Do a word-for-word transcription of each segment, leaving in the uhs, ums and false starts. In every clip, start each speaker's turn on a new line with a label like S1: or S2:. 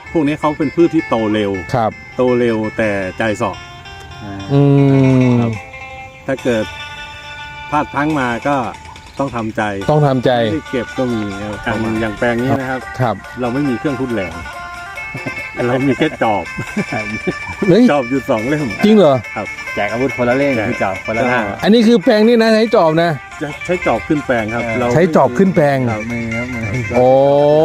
S1: พวกนี้เขาเป็นพืชที่โตเร็ว
S2: ครับ
S1: โตเร็วแต่ใจเสาะ
S2: อืม
S1: ครับถ้าเกิดพลาดพลั้งมาก็ต้องทำใจ
S2: ต้องทำใจ
S1: ไม่ได้เก็บก็มีอย่างอย่างแปลงนี้นะครับ
S2: ครับ
S1: เราไม่มีเครื่องทุนแรงเรามีแค่จอบจอบอยู่สองเล่ม
S2: จริงเหรอ
S1: ครับ
S3: แจกอาวุธคนละเล่มคือจอบคนละหน้า
S2: อันนี้คือแปลงนี่นะใช้จอบนะ
S1: จะใช้จอบขึ้นแปลงครับเรา
S2: ใช้จอบขึ้นแปลง
S3: มือครับมือ
S2: โอ้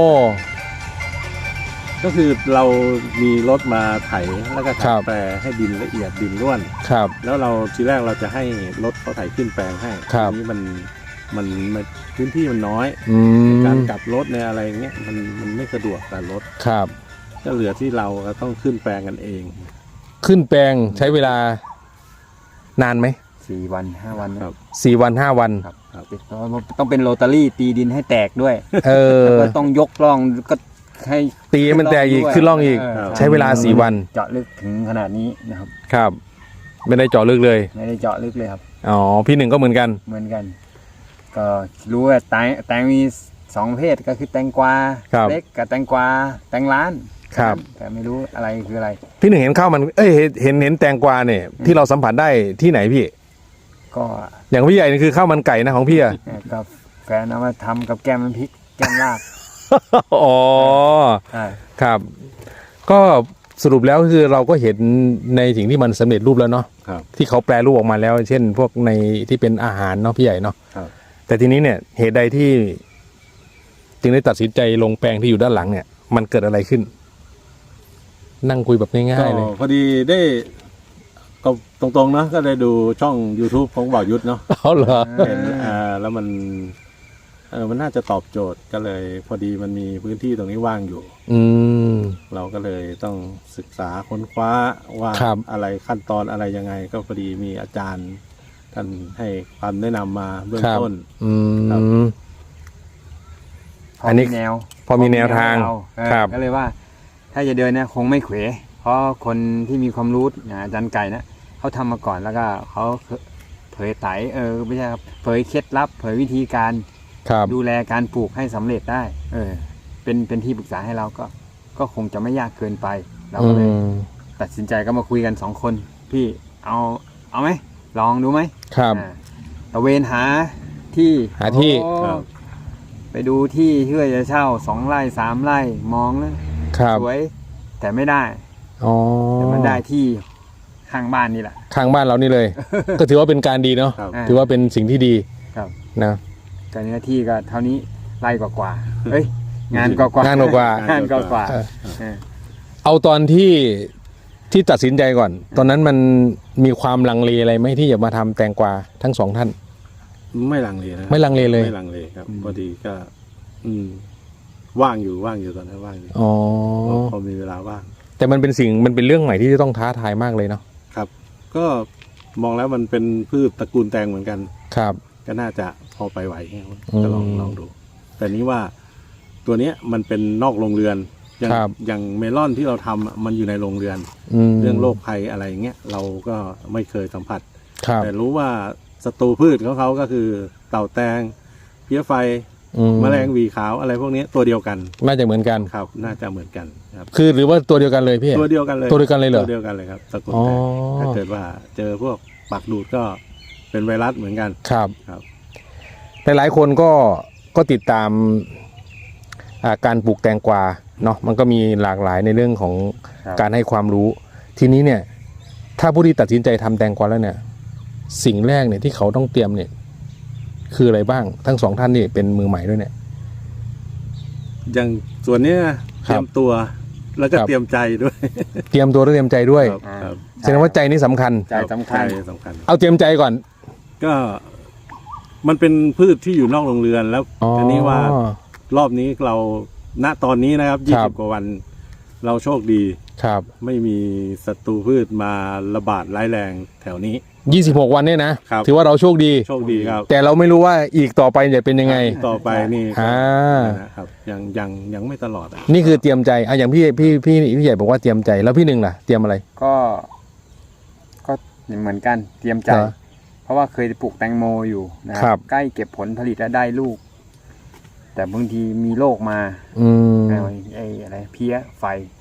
S1: ก็คือเรามีรถมาไถแล้วก็ไถแปลให้ดินละเอียดดินร่วน
S2: ครับ
S1: แล้วเราทีแรกเราจะให้รถเขาไถขึ้นแปลงให้ทีนี้มันมันพื้นที่มันน้อยการกลับรถในอะไรเงี้ยมันมันไม่สะดวกกับรถ
S2: ครับ
S1: ก็เหลือที่เราต้องขึ้นแปลงกันเอง
S2: ขึ้นแปลงใช้เวลานานไหม
S3: สี่วันห้าวัน
S1: ครับ
S2: สี่วันห้าวัน
S3: ครับต้องเป็นโรตารี่ตีดินให้แตกด้วย
S2: เออ
S3: แล้วก็ต้องยกร่องก็ให้
S2: ตีมันแตกอีกขึ้นร่องอีกใช้เวลาสี่วัน
S3: เจาะลึกถึงขนาดนี้นะครับ
S2: ครับไม่ได้เจาะลึกเลย
S3: ไม่ได้เจาะลึกเลยครับ
S2: อ๋อพี่หนึ่งก็เหมือนกัน
S3: เหมือนกันก็รู้ว่าแตงแตงมีสองประเภทก็คือแตงกวาเล็กกับแตงกวาแตงล้าน
S2: ครับ
S3: แต่ไม่รู้อะไรคืออะไร
S2: พี่หนึ่งเห็นข้าวมันเอ้ยเห็นเห็นแตงกวาเนี่ยที่เราสัมผัสได้ที่ไหนพี่
S3: ก็
S2: อย่างพี่ใหญ่นี่คือข้าวมันไก่นะของพี่อะ
S3: กับแฟนเอามาทำกับแกมมันพริกแกมลาบ
S2: อ๋อครับก็สรุปแล้วคือเราก็เห็นในสิ่งที่มันสำเร็จรูปแล้วเนาะที่เขาแปลรูปออกมาแล้วเช่นพวกในที่เป็นอาหารเนาะพี่ใหญ่เนาะแต่ทีนี้เนี่ยเหตุใดที่จึงได้ตัดสินใจลงแปลงที่อยู่ด้านหลังเนี่ยมันเกิดอะไรขึ้นนั่งคุยแบบง่ายๆเลย
S1: พอดีได้ก็ตรงๆนะก็ได้ดูช่อง YouTube ของบ่าวยุทธเนาะ
S2: เอาเหรอ
S1: เห็นอ่าแล้วมันเออมันน่าจะตอบโจทย์ก็เลยพอดีมันมีพื้นที่ตรงนี้ว่างอยู่
S2: อืม
S1: เราก็เลยต้องศึกษาค้นคว้าว่าอะไรขั้นตอนอะไรยังไงก็พอดีมีอาจารย์ท่านให้ความแนะนำมาเบื้องต้น
S2: อืม
S3: อันนี้แนว
S2: พอมีแนวทาง
S3: ครับก็เลยว่าถ้าจะเดินเนี่ยคงไม่เขวเพราะคนที่มีความรู้อย่างอาจารย์ไก่นะเขาทำมาก่อนแล้วก็เขาเผยไตเออไม่ใช่ครับเผยเคล็ดลับเผยวิธีการดูแลการปลูกให้สำเร็จได้เออเป็นเป็นที่ปรึกษาให้เราก็ก็คงจะไม่ยากเกินไปเราก็เลยตัดสินใจก็มาคุยกันสองคนพี่เอาเอาไหมลองดูไหม
S2: ครับ
S3: ตะเวนหาที่
S2: หาที่
S3: ไปดูที่เพื่อจะเช่าสองไร่สามไร่มองแล้วสวยแต่ไม่ได้แต่มันได้ที่ข้างบ้านนี่แหละ
S2: ข้างบ้านเรานี่เลย ก็ถือว่าเป็นการดีเนาะถือว่าเป็นสิ่งที่ดีนะ
S3: การเนื้อที่ก็เท่านี้ไร่กว่าๆเอ้ยงานกว่าง
S2: านกว่าง
S3: านกว่า
S2: เอาตอนที่ที่ตัดสินใจก่อนตอนนั้นมันมีความลังเลอะไรไหมที่จะมาทำแตงกวาทั้งสองท่าน
S1: ไม่ลังเลนะ
S2: ไม่ลังเลเลย
S1: ไม่ลังเลครับพอดีก็อืมว่างอยู่ว่างอยู่ตอนนั้นว่างอยู่
S2: อ๋อ
S1: พอมีเวลาว่าง
S2: แต่มันเป็นสิ่งมันเป็นเรื่องใหม่ที่จะต้องท้าทายมากเลยเนาะ
S1: ครับก็มองแล้วมันเป็นพืชตระกูลแตงเหมือนกัน
S2: ครับ
S1: ก็น่าจะพอไปไหวก็ลองลองดูแต่นี้ว่าตัวเนี้ยมันเป็นนอกโรงเรือนอย่างอย่างเมลอนที่เราทำมันอยู่ในโรงเรือนเรื่องโรคภัยอะไรเงี้ยเราก็ไม่เคยสัมผัสแต่รู้ว่าศัตรูพืชของเขาก็คือเต่าแตงเพี้ยไฟแมลงวีขาวอะไรพวกนี้ตัวเดียวกัน
S2: น่าจะเหมือนกัน
S1: ครับน่าจะเหมือนกันครับ
S2: คือหรือว่าตัวเดียวกันเลยพี่
S1: ตัวเดียวกันเลย
S2: ตัวเดียวกันเลยเหรอ
S1: ตัวเดียวกันเลยครับตระกูลแตงถ้าเกิดว่าเจอพวกปากดูดก็เป็นไวรัสเหมือนกัน
S2: ครับ
S1: ครับ
S2: หลายๆคนก็ก็ติดตามการปลูกแตงกวาเนาะมันก็มีหลากหลายในเรื่องของการให้ความรู้ทีนี้เนี่ยถ้าผู้ที่ตัดสินใจทำแตงกวาแล้วเนี่ยสิ่งแรกเนี่ยที่เขาต้องเตรียมเนี่ยคืออะไรบ้างทั้งสองท่านนี่เป็นมือใหม่ด้วยเนี่ย
S1: อย่างส่วนนี้เตรียมตัวแล้วก็เตรียมใจด้วย
S2: เตรียมตัวและเตรียมใจด้วยแสดงว่าใจนี่สำคัญ
S3: ใจสำคัญ
S1: สำคัญ
S2: เอาเตรียมใจก่อน
S1: ก็มันเป็นพืชที่อยู่นอกโรงเรือนแล้วทีนี้ว่ารอบนี้เราณตอนนี้นะครับยี่สิบกว่าวันเราโชคดี
S2: ครับ
S1: ไม่มีศัตรูพืชมาระบาดร้ายแรงแถวนี้
S2: ยี่สิบหกวันเนี่ยนะถือว่าเราโชคดี
S1: โชคดีครับ
S2: แต่เราไม่รู้ว่าอีกต่อไปจะเป็นยังไง
S1: ต่อไปนี่
S2: อ่า
S1: นะครับยังยังยังไม่ตลอดอ่ะ
S2: นี่คือเตรียมใจอ่ะอย่างพี่พี่พี่พี่ใหญ่บอกว่าเตรียมใจแล้วพี่หนึ่งล่ะเตรียมอะไร
S3: ก็ก็เหมือนกันเตรียมใจเพราะว่าเคยปลูกแตงโมอยู่นะครับใกล้เก็บผลผลิตแล้วได้ลูกแต่บางทีมีโรคมา
S2: อืม
S3: ไอ้อะไรเพี้ยไฟ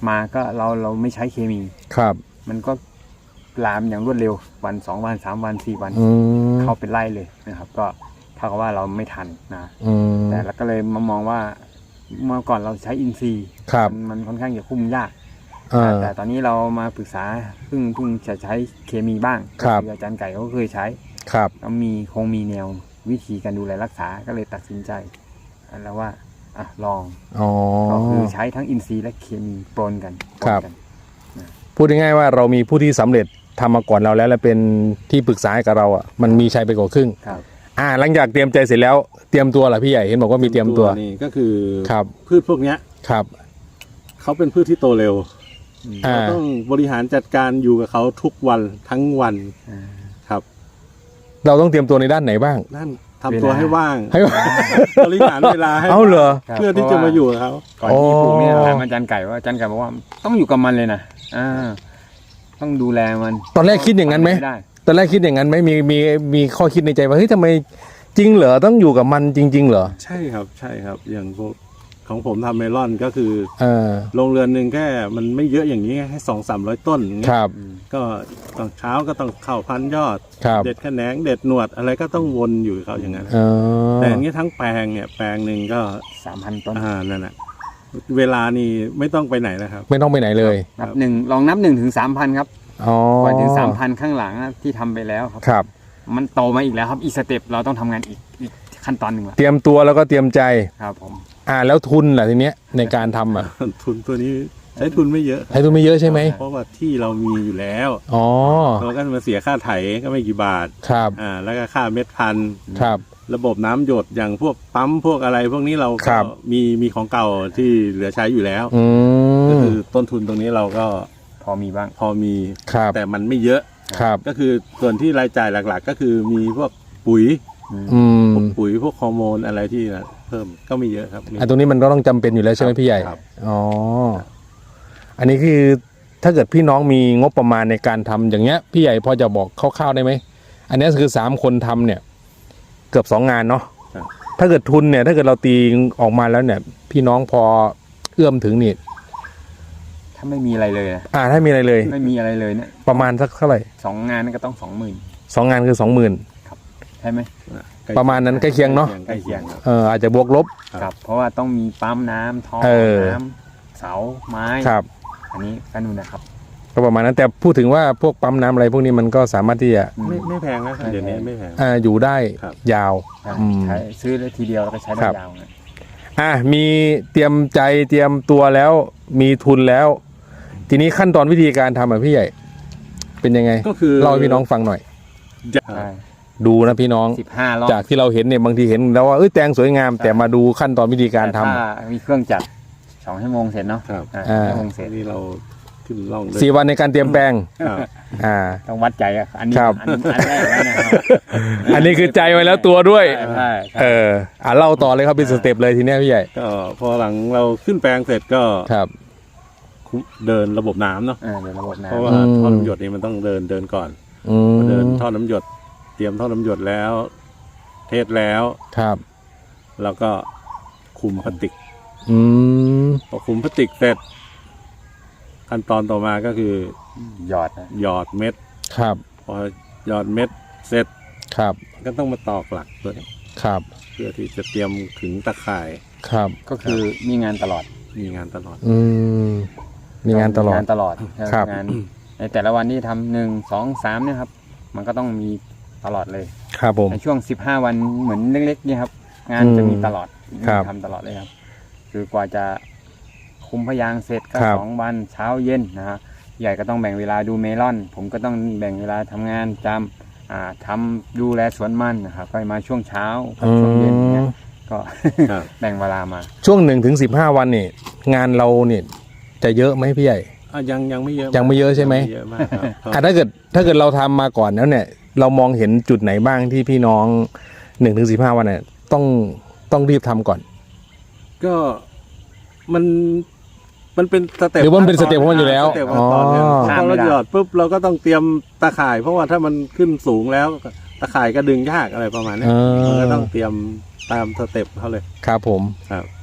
S3: มาก็เราเราไม่ใช้เคมี
S2: ครับ
S3: มันก็ลามอย่างรวดเร็ววันสองวันสามวันสี่วัน
S2: อืม
S3: เข้าเป็นไร่เลยนะครับ ก็เท่ากับว่าเราไม่ทันนะ
S2: อืม
S3: แต่เราก็เลยมามองว่าเมื่อก่อนเราใช้อินทรีย์
S2: ครับ
S3: มันมันค่อนข้างจะคุ้มยาก
S2: อ่า
S3: แต่ตอนนี้เรามาปรึกษาเพิ่งเพิ่งจะใช้เคมีบ้าง
S2: ครับ
S3: ก็ออาจารย์ไก่เขาก็เคยใช้
S2: ครับ
S3: แล้วมีคงมีแนววิธีการดูแลรักษาก็เลยตัดสินใจแล้วว่าอ่ะลอง
S2: อ๋อ
S3: ก็คือใช้ทั้งอินทรีย์และเคมีปนกันปน
S2: ครับ
S3: กัน
S2: พูดง่ายๆว่าเรามีผู้ที่สำเร็จทำมาก่อนเราแล้วและเป็นที่ปรึกษาให้กับเราอ่ะมันมีชัยไปกว่าครึ่ง
S3: ครับ
S2: อ่าหลังจากเตรียมใจเสร็จแล้วเตรียมตัวเหรอพี่ใหญ่เห็นบอกว่ามีเตรียมตัว
S1: นี่ก็คือ
S2: ครับ
S1: พืชพวกเนี้ย
S2: ครับ
S1: เขาเป็นพืชที่โตเร็ว
S2: อ่า
S1: เราต้องบริหารจัดการอยู่กับเขาทุกวันทั้งวัน
S3: อ่า
S1: ครับ
S2: เราต้องเตรียมตัวในด้านไหนบ้าง
S1: นั่นทำตัวให้ว่าง
S2: ให้
S1: บริหารเวลาให้
S2: เอาเหรอ
S3: ครับ
S1: เพื่อที่จะมาอยู่กับเขา
S3: ก่อนที่ปลูกเนี่ย
S2: อ๋อ
S3: ถามอาจารย์ไก่ว่าอาจารย์ไก่บอกว่าต้องอยู่กับมันเลยนะอ่าต้องดูแลมัน
S2: ตอนแรกคิดอย่างนั้นไหม
S3: ด้
S2: ตอนแรกคิดอย่างนั้นไหมมีมีมีข้อคิดในใจว่าเฮ้ยทำไมจริงเหรอต้องอยู่กับมันจริง ๆ เหรอ
S1: ใช่ครับใช่ครับ อย่างพวกของผมทำเมลอนก็คือ
S2: เออ
S1: โรงเรือนหนึ่งแค่มันไม่เยอะอย่างนี้แค่สองสามร้อยต้นอย่างเงี้
S2: ค
S1: ย
S2: รับ
S3: อืม
S1: ก็ตอนเช้าก็ต้องเข้าพันยอด
S2: ครับ
S1: เด็ดแขนงเด็ดหนวดอะไรก็ต้องวนอยู่กับเขาอย่างนั้น
S2: เออ
S1: แต่อย่างนี้ทั้งแปลงเนี่ยแปลงหนึ่งก็
S3: สามพันต้น
S1: อ่านั่นแหละเวลานี่ไม่ต้องไปไหนนะครับ
S2: ไม่ต้องไปไหนเลย
S3: นับหนึ่งลองนับหนึ่งถึงสามพันครับ
S2: อ๋อ
S3: ก่อนถึงสามพันข้างหลังนะที่ทำไปแล้วครับ
S2: ครับ
S3: มันโตมาอีกแล้วครับอีกสเต็ปเราต้องทำงานอีกอีกขั้นตอนหนึ่งละ
S2: เตรียมตัวแล้วก็เตรียมใจ
S3: ครับผม
S2: อ่าแล้วทุนล่ะทีเนี้ยในการทำอ่ะ
S1: ทุนตัวนี้ใช้ทุนไม่เยอะครับ
S2: ให้ทุนไม่เยอะใช่ไหม
S1: เพราะว่าที่เรามีอยู่แล้ว
S2: อ๋อ
S1: เราก็มาเสียค่าไถก็ไม่กี่บาท
S2: ครับ
S1: อ่าแล้วก็ค่าเม็ดพันธุ์
S2: ครับ
S1: ระบบน้ำหยดอย่างพวกปั๊มพวกอะไร พวกนี้เรา
S2: ค
S1: ก็
S2: รับ
S1: มีมีของเก่าที่เหลือใช้อยู่แล้ว
S2: อื
S1: ก็
S2: ม
S1: คือต้นทุนตรงนี้เราก็
S3: พอมีบ้าง
S1: พอมี
S2: ครับ
S1: แต่มันไม่เยอะ
S2: ครับ
S1: ก็คือส่วนที่รายจ่ายหลักๆ ก็คือมีพวกปุ๋ย
S2: อืม
S1: พวกปุ๋ยพวกฮอร์โมนอะไรที่เพิ่มก็ไม่เยอะครับมี
S2: อันตรงนี้มันก็ต้องจำเป็นอยู่แล้วใช่ไหมพี่ใหญ่
S1: ครับ
S2: อ๋อ อันนี้คือถ้าเกิดพี่น้องมีงบประมาณในการทำอย่างเงี้ย พี่ใหญ่พอจะบอกคร่าวๆได้ไหม อันนี้คือสามคนทำเนี่ย เกือบสองงานเนาะ
S1: ครับ
S2: ถ้าเกิดทุนเนี่ย ถ้าเกิดเราตีออกมาแล้วเนี่ย พี่น้องพอเอื้อมถึงนี่
S3: ถ้าไม่มีอะไรเลยนะ
S2: อ่าถ้ามีอะไรเลย
S3: ไม่มีอะไรเลยเนี่ย
S2: ประมาณสักเท่าไหร่
S3: สองงานนั่นก็ต้องสองหมื่น
S2: สองงานคือสองหมื่น
S3: ใช่ไหม
S1: ใกล้
S2: ประมาณนั้นใกล้เคียงเนอะ
S1: ใกล้เคียงครับ
S2: เอออาจจะบวกลบ
S3: ครับ เพราะว่าต้องมีปั๊มน้ำท่อ
S2: เออ
S3: น้ำเสาไม้
S2: ครับ
S3: อันนี้ก็นู่นนะครับ
S2: ก็ประมาณนั้นแต่พูดถึงว่าพวกปั๊มน้ำอะไรพวกนี้มันก็สามารถที่จะ
S1: ไม่ไม่แพงนะครับเดี๋ยวนี้ไม่แพง
S2: อ่าอยู่ได้
S1: ครับ
S2: ยาว
S3: ใช่
S2: อืม
S3: ใช้ซื้อได้ทีเดียวแล้วก็ใช้ได้
S2: ครับ
S3: ยาวนะ
S2: อ่ะมีเตรียมใจเตรียมตัวแล้วมีทุนแล้ว ทีนี้ขั้นตอนวิธีการทำอ่ะพี่ใหญ่ เป็นยังไง
S1: ก็คือ
S2: เล่าให้พี่น้องฟังหน่อย
S1: จะ
S3: ใช่
S2: ดูนะพี่น้อง
S3: สิบห้ารอบ
S2: จากที่เราเห็นเนี่ยบางทีเห็นแล้วว่าเอ้ยแตงสวยงาม แต่มาดูขั้นตอนวิธีการทำ
S3: แต่ถ้ามีเครื่องจักรสองชั่วโมงเสร็จเนาะ
S1: ครับ
S3: อ่า
S2: อ่า
S3: ชั่วโมงเสร็จ
S1: นี่เราขึ้นล่องด้วย
S2: สี่วันในการเตรียมแปลง
S1: ครับ
S2: อ่า
S3: ต้องวัดใจอ่ะอันนี้
S2: ครับ
S3: อันอันแรกแล้วนะครับ
S2: อันนี้คือใจไว้แล้วตัวด้วย
S3: ใช่ใช่ใช่
S2: เอออ่ะเล่าต่อเลยครับเป็นสเต็ปเลยทีเนี้ยพี่ใหญ่
S1: ก็พอหลังเราขึ้นแปลงเสร็จก็
S2: ครับ
S1: เดินระบบน้ำเนาะ
S3: เออเดี๋ยวระบบน้
S1: เพราะว่า
S2: อืม
S1: ท่อน้ำหยดนี่มันต้องเดินเดินก่อน
S2: อืม
S1: พอเดินท่อน้ำหยด เตรียมท่อน้ำหยดแล้ว เทสแล้ว
S2: ครับ
S1: แล้วก็คุมพลาสติก
S2: อืม
S1: พอคุมพลาสติกเสร็จ ขั้นตอนต่อมาก็คือ
S3: ำหยอดนะ
S1: หยอดเม็ด
S2: ครับ
S1: พอหยอดเม็ดเสร็จ
S2: ครับ
S1: ก็ต้องมาตอกหลักตัวนี้
S2: ครับ
S1: เพื่อที่จะเตรียมขึงตะข่าย
S2: ครับ
S3: ก็คือมีงานตลอด
S1: มีงานตลอด
S2: อืมมีงานตลอด
S3: งานตลอด
S2: ครับ
S3: งานในแต่ละวันที่ทำหนึ่งสองสามเนี่ยครับ มันก็ต้องมีตลอดเลย
S2: ครับผม
S3: ในช่วงสิบห้าวันเหมือนเล็กๆเนี่ยครับ งานจะมีตลอด
S2: ครับ
S3: ทำตลอดเลยครับ คือกว่าจะคุมพยางค์เสร็จก็
S2: ครับ
S3: สองวันเช้าเย็นนะฮะใหญ่ก็ต้องแบ่งเวลาดูเมลอน ผมก็ต้องแบ่งเวลาทำงานจำอ่าทำดูแลสวนมันนะครับก็มาช่วงเช้ากับช่วงเย็นเนี่ยก็
S1: ครับ
S3: แบ่งเวลามา
S2: ช่วงหนึ่งถึงสิบห้าวันนี่งานเราเนี่ยจะเยอะไหมพี่ใหญ่
S1: อ่ะยังยังไม่เยอะ
S2: ยังไม่เยอะใช่ไหม
S1: ยังเยอะมากครับ
S2: อ่ะถ้าเกิดถ้าเกิดเราทำมาก่อนแล้วเนี่ย เรามองเห็นจุดไหนบ้างที่พี่น้องหนึ่งถึงสิบห้าวันเนี่ยต้องต้องรีบทำก่อน
S1: ก็มันมันเป็นสเต็ป
S2: หรือว่ามันเป็นสเต็ปของมันอยู่แล้ว
S1: สเต็ปขั้นตอนเนี่ย
S2: อ๋อ
S1: พอเราหยอดปุ๊บเราก็ต้องเตรียมตาข่าย เพราะว่าถ้ามันขึ้นสูงแล้วตาข่ายก็ดึงยากอะไรประมาณเนี้ย
S2: เออ
S1: มันก็ต้องเตรียมตามสเต็ปเขาเลย
S2: ครับผม
S1: ครับ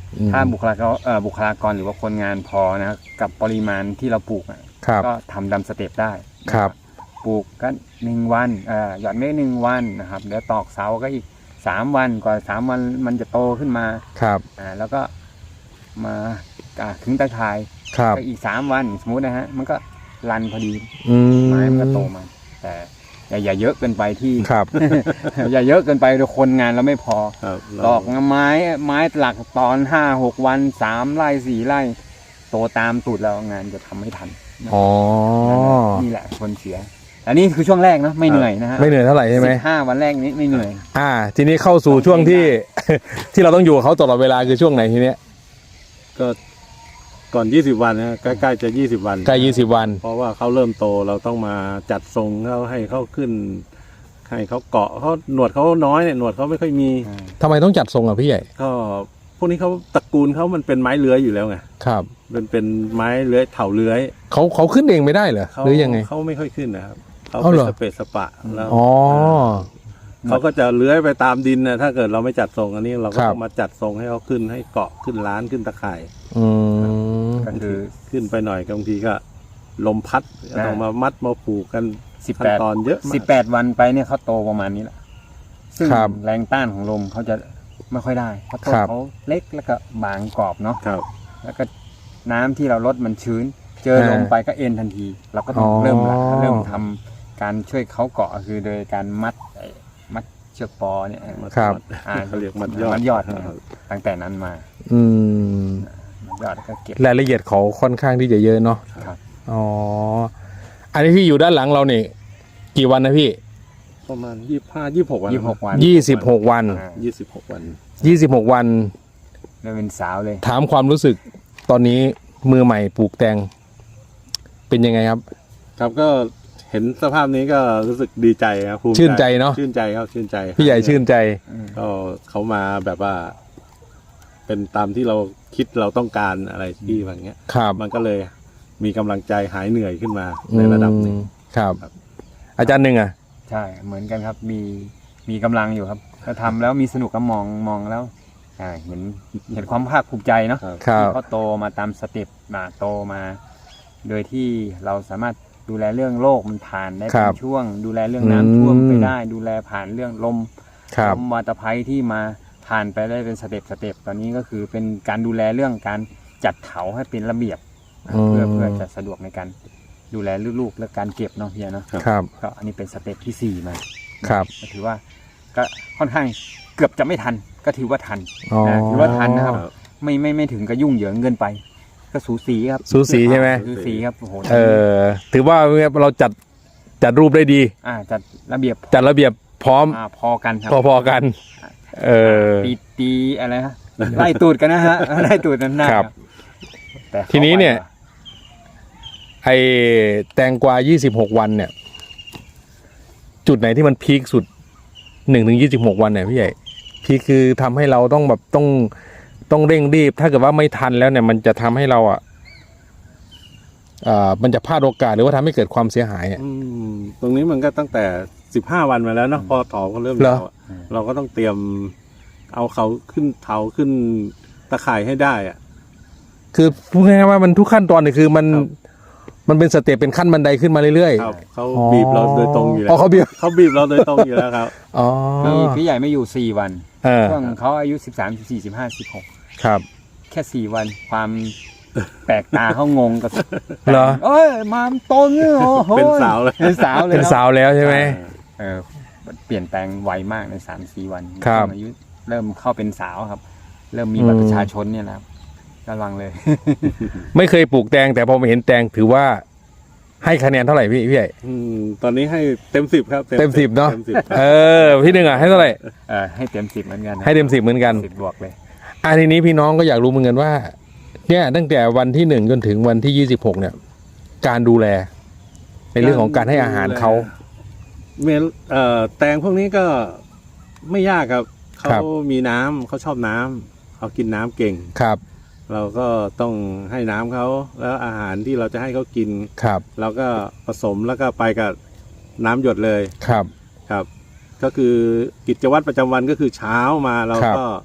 S2: อืม
S3: ถ้าบุคลากรเอ่อบุคลากรหรือว่าคนงานพอนะครับกับปริมาณที่เราปลูกอะ
S2: ครับ
S3: ก็ทำดำสเต็ปได้นะครับ ปลูกก็หนึ่งวันเอ่อหยอดเมฆหนึ่งวันนะครับเดี๋ยวตอกเสาก็อีกสามวันกว่าสามวันมันจะโตขึ้นมา
S2: ครับ
S3: อ่าแล้วก็มาอ่าขึงตะข่าย
S2: ครับ
S3: ก็อีกสามวันสมมตินะฮะมันก็รันพอดี
S2: อืม
S3: ไม้มันก็โตมาแต่อย่าอย่าเยอะเกินไปที่
S2: ครับ
S3: อย่าเยอะเกินไปเดี๋ยวคนงานเราไม่พอ
S1: ครับ
S3: ตอกไม้ไม้หลักตอนห้าหกวันสามไร่สี่ไร่โตตามตูดเรางานจะทำไม่ทัน
S2: อ๋อ
S3: นี่แหละคนเสียอันนี้คือช่วงแรกนะไม่เหนื่อยนะฮะ
S2: ไม่เหนื่อยเท่าไหร่ใช่ไหม
S3: สิบห้าวันแรกนี้ไม่เหนื่อย
S2: อ่า ทีนี้เข้าสู่ช่วงที่ ที่เราต้องอยู่กับเขาตลอดเวลาคือช่วงไหนทีเนี้ย
S1: ก็ก่อนยี่สิบวันนะใกล้ๆจะยี่สิบวัน
S2: ใกล้ยี่สิบวัน
S1: เพราะว่าเขาเริ่มโตเราต้องมาจัดทรงเขาให้เขาขึ้น ให้เขาเกาะเขาหนวดเขาน้อยเนี่ยหนวดเขาไม่ค่อยมี
S2: ทำไมต้องจัดทรงอ่ะพี่ใหญ่
S1: ก็พวกนี้เขาตระกูลเขามันเป็นไม้เลื้อยอยู่แล้วไง
S2: ครับ
S1: เป็นเป็นไม้เลื้อยเถาเลื้อย
S2: เขาเขาขึ้นเองไม่ได้เหรอ
S1: เขา
S2: หรือยังไง
S1: เขาไม่ค่อยขึ้นนะครับเขา
S2: เอา
S1: เป็น
S2: เหรอ
S1: สเปซสปะแล้ว
S2: อ๋อ
S1: เขาก็จะเลื้อยไปตามดินนะถ้าเกิดเราไม่จัดทรงอันนี้เราก็
S2: ครับ
S1: ต้องมาจัดทรงให้เขาขึ้นให้เกาะขึ้นล้านขึ้นตะข่าย
S2: อืม
S3: ก็คือ
S1: ขึ้นไปหน่อยบางทีก็ลมพัดก็ต้องมามัดมาผูกกัน
S3: สิบ
S1: ขั้
S3: แป
S1: น
S3: ด
S1: ตอนเยอะมาก
S3: สิบแปดวันไปเนี่ยเขาโตประมาณนี้แหละซึ่ง
S2: ครับ
S3: แรงต้านของลมเขาจะไม่ค่อยได้เพราะต้น
S2: ครับ
S3: เขาเล็กแล้วก็บางกรอบเนาะ
S1: ครับ
S3: แล้วก็น้ำที่เราลดมันชื้น เจอ
S2: อ่า
S3: ลมไปก็เอ็นทันที เราก็ต้อง
S2: อ๋อ
S3: เริ่มละเริ่มทำการช่วยเขาเกาะคือโดยการมัดไอ้มัดเชือกปอเนี่ย
S2: ครับ
S3: อ่า
S1: เขาเรียกมัดยอด
S3: มัดยอดนะครับตั้งแต่นั้นมา
S2: อืม
S3: มัดยอดแล้วก็เก็บ
S2: รายละเอียดเขาค่อนข้างที่จะเยอะเนาะ
S3: ครับ
S2: อ๋อ อันนี้ที่อยู่ด้านหลังเราเนี่ยกี่วันนะพี่
S1: ประมาณยี่ห้ายี่หกวัน
S3: ยี่สิบหกวัน
S2: ยี่สิบหกวัน
S3: อ่า
S1: ยี่สิบหกวัน
S2: ยี่สิบหกวัน
S3: เริ่มเป็นสาวเลย
S2: ถามความรู้สึกตอนนี้มือใหม่ปลูกแตง เป็นยังไงครับ
S1: ครับก็เห็นสภาพนี้ก็รู้สึกดีใจครับภูมิ
S2: ชื่นใจเนอะ
S1: ชื่นใจครับชื่นใจ
S2: พี่ใหญ่ชื่นใจ
S1: ก็เขามาแบบว่า เป็นตามที่เราคิดเราต้องการอะไรที่แบบเงี้ย
S2: ครับ
S1: มันก็เลยมีกำลังใจหายเหนื่อยขึ้นมาในระดับหนึ่ง
S2: อืมครับ
S1: ครับ
S2: อาจารย์หนึ่งอ่ะ
S3: ใช่เหมือนกันครับมีมีกำลังอยู่ครับถ้าทำแล้วมีสนุกก็มองมองแล้วอ่าเห็นเห็นความภาคภูมิใจเนาะ
S1: ครับ
S2: ครับ
S3: ที่เขาโตมาตามสเต็ปมาโตมา โดยที่เราสามารถดูแลเรื่องโรคมันผ่านได้
S2: ครั
S3: เป็
S2: บ
S3: นช่วง ดูแลเรื่องน้ำท่วม
S2: อืม
S3: ไปได้ ดูแลผ่านเรื่องลม
S2: ครับ
S3: ลมวาตภัยที่มาผ่านไปได้เป็นสเต็ปสเต็ปตอนนี้ก็คือเป็นการดูแลเรื่องการจัดเถาให้เป็นระเบียบนะเพื่อเพื่อจะสะดวกในการดูแลลูกๆและการเก็บเนาะพี่เนาะ
S2: ครับ
S3: ก็อันนี้เป็นสเต็ปที่สี่มา
S2: ครับ
S3: ก็ถือว่าก็ค่อนข้างเกือบจะไม่ทันก็ถือว่าทัน
S2: อ๋อ
S3: นะถือว่าทันนะครับ ไม่ไม่ไม่ถึงกับยุ่งเหยิงเกินไป ก็สูสีครับ
S2: สูสีใช่ไหม
S3: สูสีครับโอ้โห
S2: เออ ถือว่าเราจัดจัดรูปได้ดี
S3: อ่าจัดระเบียบ
S2: จัดระเบียบพร้อม
S3: อ่าพอกันครับ
S2: พอๆกัน เออ
S3: ตีตีอะไรฮะไล่ตูดกันนะฮะไล่ตูดกันหน้า
S2: ครับ
S3: แต่ขา
S2: ทีนี้เนี่ย
S3: ไวกว่า
S2: ไอแตงกวายี่สิบหกวันเนี่ย จุดไหนที่มันพีคสุดหนึ่งถึงยี่สิบหกวันเนี่ยพี่ใหญ่ พีคคือทำให้เราต้องแบบต้องต้องเร่งรีบ ถ้าเกิดว่าไม่ทันแล้วเนี่ย มันจะทำให้เราอ่ะอ่ามันจะพลาดโอกาสหรือว่าทำให้เกิดความเสียหายอ่ะ
S1: อืมตรงนี้มันก็ตั้งแต่สิบห้าวันมาแล้วเนาะพอถอก็เริ่ม
S2: เหรอ
S1: ยาวอะเราก็ต้องเตรียม เอาเขาขึ้นเถาขึ้นตะข่ายให้ได้อะ
S2: คือพูดง่ายๆว่ามันทุกขั้นตอนเนี่ยคือมัน
S1: ครับ
S2: มันเป็นสเต็ปเป็นขั้นบันไดขึ้นมาเรื่อย
S1: ครับเขา
S2: อ๋อ
S1: บีบเราโดยตรงอยู่แล้
S2: อ๋อ
S1: ว
S2: เขาบีบ
S1: เขาบีบเราโดยตรงอยู่แล้วครับ
S2: อ๋อ
S3: พี่พี่ใหญ่ไม่อยู่สี่วัน
S2: เออ
S3: ช่วงเขาอายุสิบสามสิบสี่สิบห้าสิบหก
S2: ครับ
S3: แค่สี่วันความแปลกตาเขางงกับ
S2: เหรอ
S3: เอ้ยมาโตเนี่ยโอ้โห
S1: เป็นสาวเลย
S3: เป็นสาวเลย
S2: เป็นสาวแล้วใช่ไหม
S3: เออเปลี่ยนแปลงไวมากในสามสี่วัน
S2: ครับ
S3: อายุเริ่มเข้าเป็นสาวครับ เริ่มมีบัตรประชาชนเนี่ยนะครับระวังเลย
S2: ไม่เคยปลูกแตงแต่พอมาเห็นแตงถือว่าให้คะแนนเท่าไหร่พี่พี่ใหญ่
S1: อืมตอนนี้ให้เต็มสิบครับ
S2: เต็มสิบเนอะ
S1: ต็มสิบ
S2: เออพี่หนึ่งอ่ะให้เท่าไหร่
S3: เออให้เต็มสิบเหมือนกันนะ
S2: ให้เต็มสิบเหมือนกัน
S3: สิบบวกเลย
S2: อันทีนี้พี่น้องก็อยากรู้เหมือนกันว่า เนี่ยตั้งแต่วันที่หนึ่งจนถึงวันที่ยี่สิบหกเนี่ย การดูแล ในเรื่องของการให้อาหารเขา
S1: เมลเอ่อแตงพวกนี้ก็ไม่ยากครับ
S2: ครั
S1: เขา
S2: บ
S1: มีน้ำเขาชอบน้ำเขากินน้ำเก่ง
S2: ครับ
S1: เราก็ต้องให้น้ำเขาแล้วอาหารที่เราจะให้เขากิน
S2: ครับ
S1: เราก็ผสมแล้วก็ไปกับน้ำหยดเลย
S2: ครับ
S1: ครับ ก็คือกิจวัตรประจำวันก็คือเช้ามาเรา
S2: ครับ
S1: ก็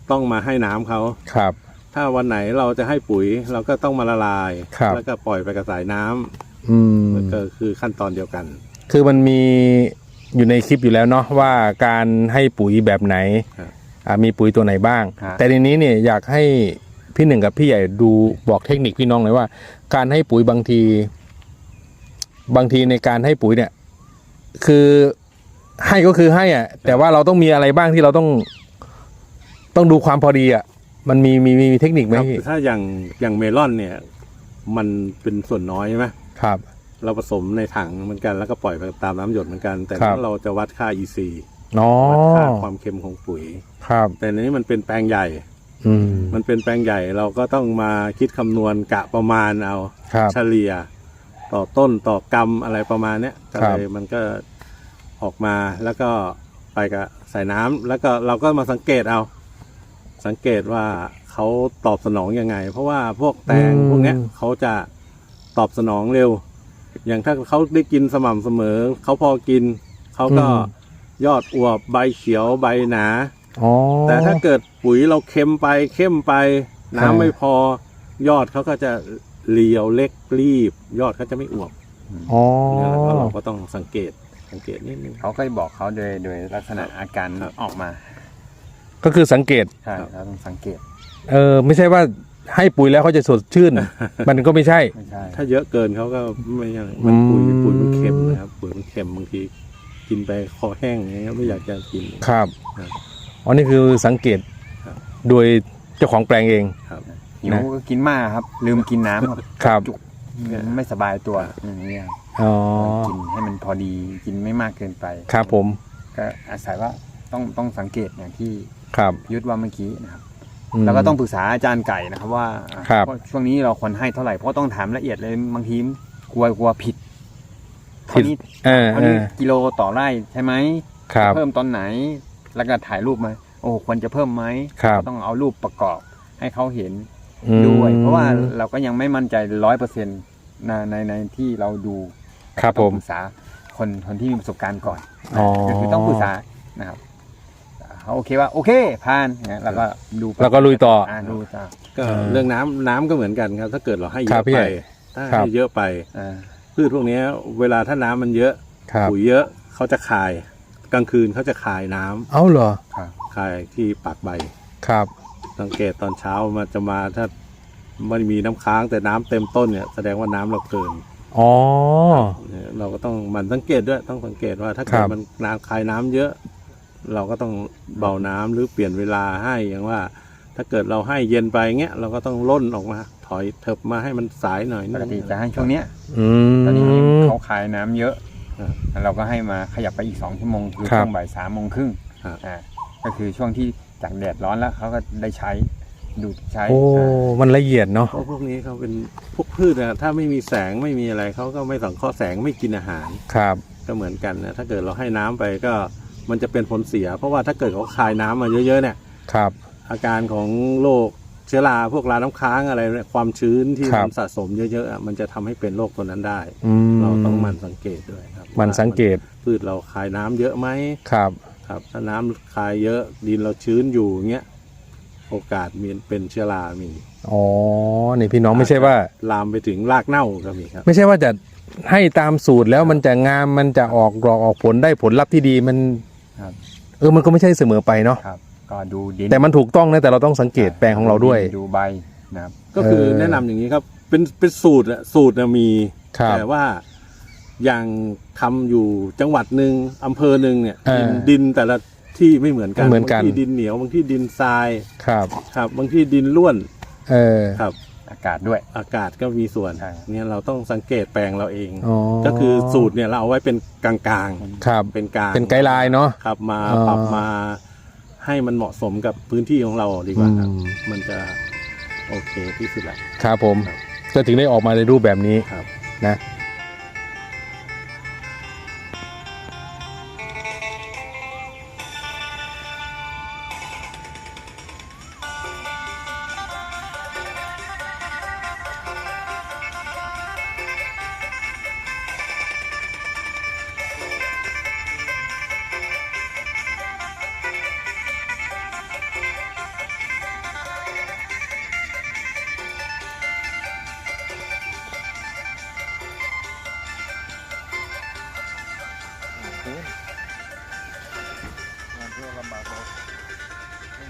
S1: ต้องมาให้น้ำเขา
S2: ครับ
S1: ถ้าวันไหนเราจะให้ปุ๋ยเราก็ต้องมาละลาย
S2: ครับ
S1: แล้วก็ปล่อยไปกระสายน้ำ
S2: อืม
S1: ก็คือขั้นตอนเดียวกัน
S2: คือมันมีอยู่ในคลิปอยู่แล้วเนาะว่าการให้ปุ๋ยแบบไหน
S1: ครับ
S2: อ่ามีปุ๋ยตัวไหนบ้าง
S3: ครับ
S2: แต่ทีนี้เนี่ยอยากให้พี่หนึ่งกับพี่ใหญ่ดูบอกเทคนิคพี่น้องหน่อยว่า การให้ปุ๋ยบางที บางทีในการให้ปุ๋ยเนี่ย คือให้ก็คือให้อ่ะ แต่ว่าเราต้องมีอะไรบ้างที่เราต้อง ต้องดูความพอดีอ่ะมันมีมีมีเทคนิคไหม
S1: ครับ
S2: พี่
S1: ถ้าอย่างอย่างเมลอนเนี่ย มันเป็นส่วนน้อยใช่ไหม
S2: ครับ
S1: เราผสมในถังเหมือนกันแล้วก็ปล่อยไปตามน้ำหยดเหมือนกัน แต่
S2: ครับ
S1: ถ้าเราจะวัดค่า อี ซี
S2: อ๋อ
S1: วัดค่าความเค็มของปุ๋ย
S2: ครับ
S1: แต่ในนี้มันเป็นแปลงใหญ่
S2: อืม
S1: มันเป็นแปลงใหญ่เราก็ต้องมาคิดคำนวณกะประมาณเอา
S2: ครับ
S1: เฉลี่ย ต่อต้นต่อกำอะไรประมาณเนี้ยก็
S2: ครั
S1: เล
S2: บ
S1: ยมันก็ออกมาแล้วก็ไปกับใส่น้ำแล้วก็เราก็มาสังเกตเอา สังเกตว่าเขาตอบสนองยังไง เพราะว่าพวกแตงพวกเนี้ยเขาจะตอบสนองเร็ว อย่างถ้าเขาได้กินสม่ำเสมอเขาพอกินเขาก็ยอดอวบใบเขียวใบหนา
S2: อ๋อ
S1: แต่ถ้าเกิดปุ๋ยเราเค็มไปเข้มไป
S2: ครั
S1: น้ำ
S2: บ
S1: ไม่พอยอดเขาก็จะเรียวเล็กรีบ ยอดเขาจะไม่อวบ
S2: อ๋อ
S1: เนี่ยแหละก็เราก็ต้องสังเกตสังเกตนิดนึง
S3: เขาก็บอกเขาโดยโดยลักษณะอาการ
S1: ครับ
S3: ออกมา
S2: ก็คือสังเกต
S3: ใช่เราต้องสังเกต
S2: เออไม่ใช่ว่าให้ปุ๋ยแล้วเขาจะสดชื่ น มันก็ไม่ใช่
S3: ไม่ใช่
S1: ถ้าเยอะเกินเขาก็ไม่ยังมันปุ๋ย
S2: อืม
S1: ปุ๋ยมันเค็มนะครับปุ๋ยมันเค็มบางทีกินไปคอแห้งอย่างเงี้ยไม่อยากจะกิน
S2: ครับ
S1: ครับ
S2: อ๋อนี่คือสังเกต
S1: ครับ
S2: โดยเจ้าของแปลงเอง
S1: ครับ
S3: หิวก็กินมากครับ ลืมกินน้ำครับ
S2: ครับ
S3: จุกไม่สบายตัวอย่างนี้ยครับ
S2: อ๋อ
S3: กินให้มันพอดีกินไม่มากเกินไป
S2: ครับผม
S3: ก็อาศัยว่าต้องต้องสังเกตอย่างที่
S2: ครับ
S3: ยุทธว่าเมื่อกี้นะครับ
S2: ม
S3: แล้วก็ต้องปรึกษาอาจารย์ไก่นะครับว่า
S2: ครับ
S3: ว่าช่วงนี้เราควรให้เท่าไหร่เพราะต้องถามละเอียดเลยบางทีกลัวกลัวผิด
S2: ผิด
S3: เท่านี้
S2: เออ
S3: เท่า
S2: เอ
S3: นี้
S2: อ
S3: กิโลต่อไร่ใช่ไหม
S2: ครับ
S3: เพิ่มตอนไหน แล้วก็ถ่ายรูปมาโอ้ควรจะเพิ่มไหม
S2: ครับ
S3: ก็ต้องเอารูปประกอบให้เขาเห็น
S2: อืม
S3: ด้วย เพราะว่าเราก็ยังไม่มั่นใจร้อยเปอร์เซ็นต์ในในในที่เราดู
S2: ครับ
S3: ต้อง
S2: ผม
S3: ปรึกษาคนคนที่มีประสบการณ์ก่อน
S2: อ๋อ
S3: ก็คือต้องปรึกษานะครับเขาโอเคว่าโอเคผ่านนะแล้วก็ดูไป
S2: แล้วก็ลุยต่ออ่
S3: าดูต่อ
S1: ก็
S2: เออ
S1: เรื่องน้ำน้ำก็เหมือนกันครับ ถ้าเกิดเราให้เย
S2: ครั
S1: อะ
S2: บพี่
S1: ไป
S2: ใหญ่
S1: ถ้า
S2: ครับ
S1: ให้เยอะไป
S3: อ่า
S1: พืชพวกเนี้ยเวลาถ้าน้ำมันเยอะ
S2: ครับ
S1: ปุ๋ยเยอะเขาจะคายกลางคืนเขาจะคายน้ำ
S2: เอ้าเหรอ
S3: ครับ
S1: คายที่ปากใบ
S2: ครับ
S1: สังเกตตอนเช้ามันจะมาถ้าไม่มีน้ำค้างแต่น้ำเต็มต้นเนี่ยแสดงว่าน้ำเราเกิน
S2: อ๋อ
S1: เนี่ยเราก็ต้องหมันสังเกตด้วยต้องสังเกตว่าถ้า
S2: ค
S1: เกิ
S2: รั
S1: ด
S2: บ
S1: มันน้ำคายน้ำเยอะ เราก็ต้องเบาน้ำหรือเปลี่ยนเวลาให้อย่างว่า ถ้าเกิดเราให้เย็นไปเงี้ยเราก็ต้องล่นออกมา ถอยเถิบมาให้มันสายหน่อย
S3: ป
S1: นึ
S3: ก
S1: ง
S3: ติจะให้ช่วงเนี้ย
S2: อืม
S3: ตอนนี้เขาขายน้ำเยอะ
S1: ครับ
S3: แล้วเราก็ให้มาขยับไปอีกสองชั่วโมงคือ
S2: ครับ
S3: ช่วงบ่ายสามโมงครึ่ง
S1: ครับ
S3: อ่าก็คือช่วงที่จากแดดร้อนแล้วเขาก็ได้ใช้ดูดใช้
S2: โอ้
S3: อ่า
S2: มันละเอียดเนาะ
S1: เพราะพวกนี้เขาเป็นพวกพืชนะถ้าไม่มีแสงไม่มีอะไรเขาก็ไม่สังเคราะห์แสงไม่กินอาหาร
S2: ครับ
S1: ก็เหมือนกันนะถ้าเกิดเราให้น้ำไปก็มันจะเป็นผลเสีย เพราะว่าถ้าเกิดเขาคายน้ำมาเยอะๆเนี่ย
S2: ครับ
S1: อาการของโรคเชื้อราพวกราน้ำค้างอะไรเนี่ยความชื้นที่
S2: ครั
S1: มั
S2: บ
S1: นสะสมเยอะๆอ่ะมันจะทำให้เป็นโรคตัวนั้นได้
S2: อืม
S1: เราต้องหมันสังเกตด้วยครับ
S2: มันสังเกต
S1: ว่าพืชเราคายน้ำเยอะไหม
S2: ครับ
S1: ครับ ถ้าน้ำคายเยอะดินเราชื้นอยู่เงี้ยโอกาสมีเป็นเชื้อรามี
S2: อ๋อ นี่พี่น้องไม่ใช่ว่า
S1: ลามไปถึงรากเน่าก็มีครับ
S2: ไม่ใช่ว่าจะให้ตามสูตรแล้วมันจะงามมันจะออกดอกออกผลได้ผลลัพธ์ที่ดีมัน
S3: ครับ
S2: เออมันก็ไม่ใช่เสมอไปเนาะ
S3: ครับ ก็ดูดิน
S2: แต่มันถูกต้องนะแต่เราต้องสังเกตแปลงของเราด้วย
S3: ดูใบนะครับ
S1: ก็คือ
S2: เออ
S1: แนะนำอย่างนี้ครับ เป็นเป็นสูตรอะสูตรน่ะมี
S2: ครับ
S1: แต่ว่าอย่างทำอยู่จังหวัดหนึ่งอำเภอหนึ่งเนี่ย
S2: เออ
S1: ดินดินแต่ละที่ไม่เหมือนกัน
S2: ไม่เหมือนกัน
S1: บางที่ดินเหนียวบางที่ดินทราย
S2: ครับ
S1: ครับ บางที่ดินร่วน
S2: เออ
S1: ครับ
S3: อากาศด้วย
S1: อากาศก็มีส่วน
S3: ใช่
S1: เนี่ยเราต้องสังเกตแปลงเราเอง
S2: อ๋อ
S1: ก็คือสูตรเนี่ยเราเอาไว้เป็นกลาง
S2: ครับ
S1: ๆเป็นกลาง
S2: เป็นไกด์ไลน์เนาะ
S1: ครับมา
S2: อ๋อ
S1: ปรับมาให้มันเหมาะสมกับพื้นที่ของเราดีกว่าครับ
S2: อืม
S1: มันจะโอเคที่สุดแหละ
S2: ครับผม
S1: ครับ
S2: ก็ถึงได้ออกมาในรูปแบบนี้
S1: ครับ
S2: นะ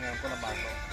S1: งานก็ลำบากเนาะ